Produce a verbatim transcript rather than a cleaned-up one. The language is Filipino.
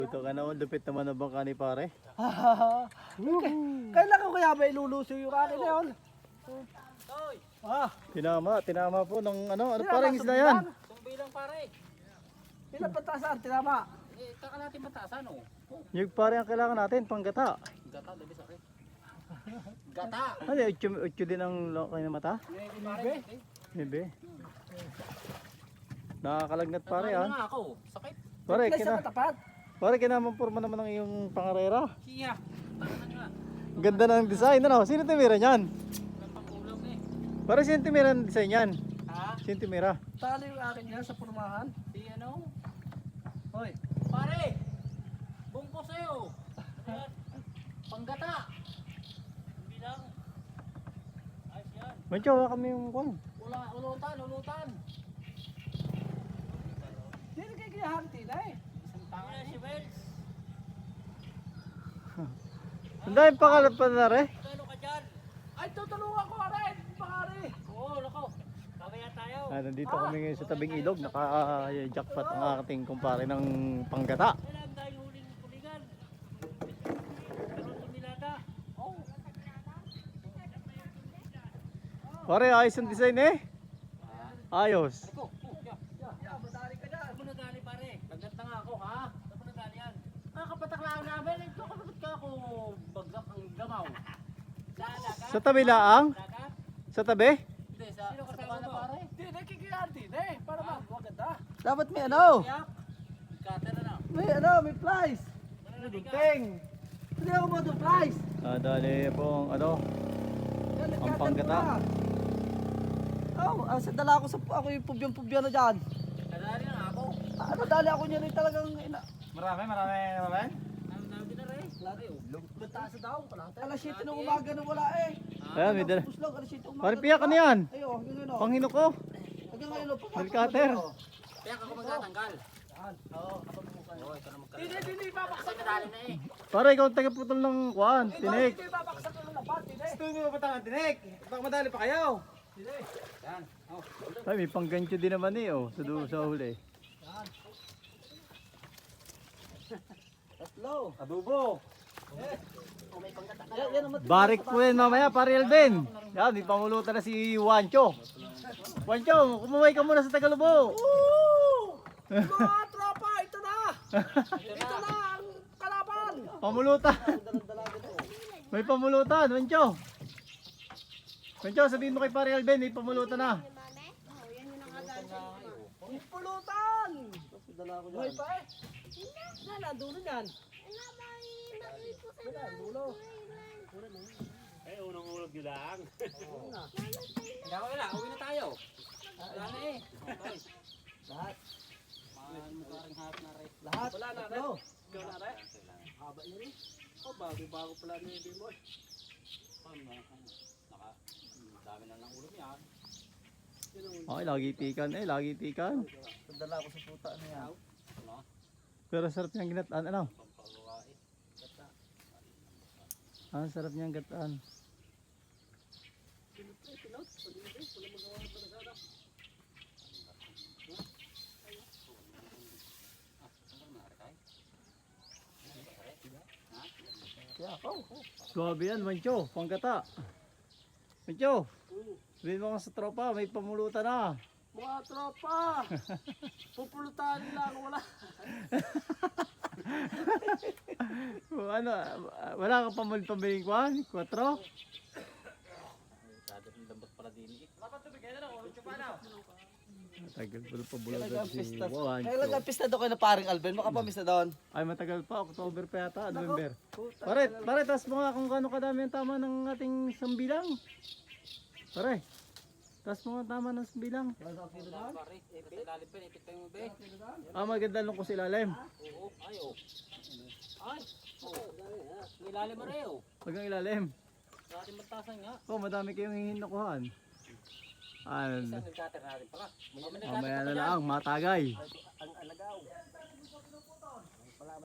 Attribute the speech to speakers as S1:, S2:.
S1: Ito ka na, lupit naman na bangka ni pare.
S2: Kailan ko kaya ba iluluso yung akin na yun? Ah,
S1: Tinama, tinama po ng ano, ano
S2: tinama,
S1: parang isda yan?
S3: Sumbi lang pare.
S2: ilan patasan, tinama.
S3: Eh, kaka natin matasan oh.
S1: Yung pare ang kailangan natin, panggata.
S3: Gata, dabi sa akin. Gata.
S1: Ano, utyo, utyo din ang lokay na mata?
S3: Pare,
S1: Bebe. Nakakalagnat pare
S3: Ano
S1: ah.
S3: nga ako? Sakit.
S1: Pare,
S2: Place
S1: kina,
S2: sa katapat.
S1: pare kinamamporma naman ng iyong pangarera.
S3: Siya. Tangan nga.
S1: Ganda ng design, ano? Sino tumira niyan?
S3: Walang pangulam eh.
S1: Pare, sino tumira ng design yan?
S3: Ha?
S1: Sino tumira?
S2: Talo yung akin yan sa purmahan.
S3: Si ano?
S2: Hoy,
S3: Pare! Bungko sa'yo. Panggata. Bilang. Ayos yan.
S1: Mancho, wala kami yung kwan.
S3: Wala, ulutan, ulutan.
S2: hindi na kayo kinahanti na eh.
S3: Isang tangan si Wells.
S1: Ang dahil pangalan pa na rin.
S3: Ano ka dyan?
S2: Ay, tutulungan ko rin, pare.
S3: Oo, lako. Kawaya tayo.
S1: Ah, nandito kami ngayon sa tabing ilog. Naka-jackpot ang ating kumpare ng panggata.
S3: Kailan tayo huling kuligan? Karoon ng nilada. Oo.
S1: Pare, ayos ang design eh. Ayos.
S3: Ako, oh, yeah.
S2: Yeah, madali ka dyan.
S3: Saan mo nagali pare? Nagdat na nga ako ha? Saan mo nagali yan? Nakakapataklaan namin. Ito kapatid ka ako bagsak ang gamaw. Sa dagat?
S1: Sa tabi laang?
S3: Dagat?
S1: Sa tabi?
S3: Hindi, sa Sino kasama na pare?
S2: Hindi na kikihanti na eh. Para ba? Maganda. Dapat may ano?
S3: Yak? Cutter na na.
S2: May ano, may flies.
S3: Gunting!
S2: Hindi ako mo ito flies.
S1: Ah, dali po ang ano.
S2: Yan,
S1: Ang
S2: nagkatan
S1: panggata.
S2: ko na. Oh, ah, sa dala ko sa ako yung pubyan-pubyan na dyan.
S3: Kadali na ako.
S2: Ah, ano, dali ako niya rin talagang ina.
S1: Marami, marami, marami.
S3: Ang nabi na rin. Lari oh.
S2: Bataas daw. Alas siyete ng umaga na wala eh.
S1: Ayan, may dala.
S2: Puslog, alas siyete umaga.
S1: Pare, piyak ano yan?
S2: Ayo, yun yun o.
S1: Panghino ko.
S2: Hanggang ngayon o.
S1: Nail cutter.
S3: Kaya ako magtatanggal. Oo, kapag mukha. Oo, ito na magkaroon.
S2: Hindi, hindi, babaksak
S3: Kasi nadali na eh.
S1: Pare, ikaw ang tagaputol ng kwan, tinik.
S2: Hindi, babaksak ng lapat. Hindi.
S1: Gusto mo ba ang tinik? Baka madali pa kayo.
S2: Hindi.
S3: Yan. Oh.
S1: Ay, may panggancho din naman eh, oh, sa, du- sa huli.
S2: Tatlo.
S1: Adobo.
S2: Yan, yan ang mat-
S1: Barik po yan mamaya, pare Alvin. Yan, may pangulutan na si Wancho. Wancho, kumaway ka muna sa Tagalubo.
S2: Woo! Mga tropa, ito na. Ito na ang kalaban.
S1: Pamulutan. May pamulutan, Wancho. Wancho, sabihin mo kay pare Alvin, may pamulutan na.
S2: Ang pulutan. May pa eh. Yan, ang dulo niyan.
S3: Eh, unang ulog yun lang. Hindi ako wala, uwi na tayo. Wala na eh. Okay.
S2: Lahat.
S3: Mahal mo ka rin hap na rin.
S2: Lahat. Wala na rin.
S3: Ikaw na rin.
S2: Haba niya rin. Oh, bago-bago pala ni Bimoy.
S3: Naka, dami na ng ulam yan.
S1: Okay, lagi tikan eh, lagi tikan.
S2: Sandala ko sa puta niya.
S3: Ano?
S1: Pero sarap niyang ginataan, ano?
S3: Pampagawain. Gata.
S1: Ah, sarap niyang gataan.
S2: Kaya ako.
S1: Suwabe yan, Wancho, panggata. Wancho, sabihin mo ka sa tropa, may pamulutan na.
S2: Mga tropa. Pupulutan nila ako wala.
S1: Kung ano, ah, wala kang pamul pambiling kwan? Kwatro?
S3: Dagat ng lambot pala din eh.
S1: Matagal pa pa bulagan
S2: Kailan
S1: si
S2: pista?
S1: Wancho.
S2: Kailan pista doon kayo na paring Alben? Makapamista doon.
S1: Ay, matagal pa, October pa yata, November. Pare, pare, tas mo nga kung gaano kadami ang tama ng ating sambilang. Pare, tas mo nga tama ng sambilang.
S3: Pare, eh, sa ilalim pa, ipit pa yung ube.
S1: Ah, maganda lang ko sa ilalim.
S3: Oo, ay oh. Ay, oo. Ang ilalim mo rin oh.
S1: Pag ang ilalim.
S3: Sa ating magtasan nga.
S1: Oh, madami kayong hihinakuhan.
S3: Isang
S1: Ano,
S3: nag-cutter natin pala. May
S1: mamaya na lang, matagay.
S2: Ang alagaw.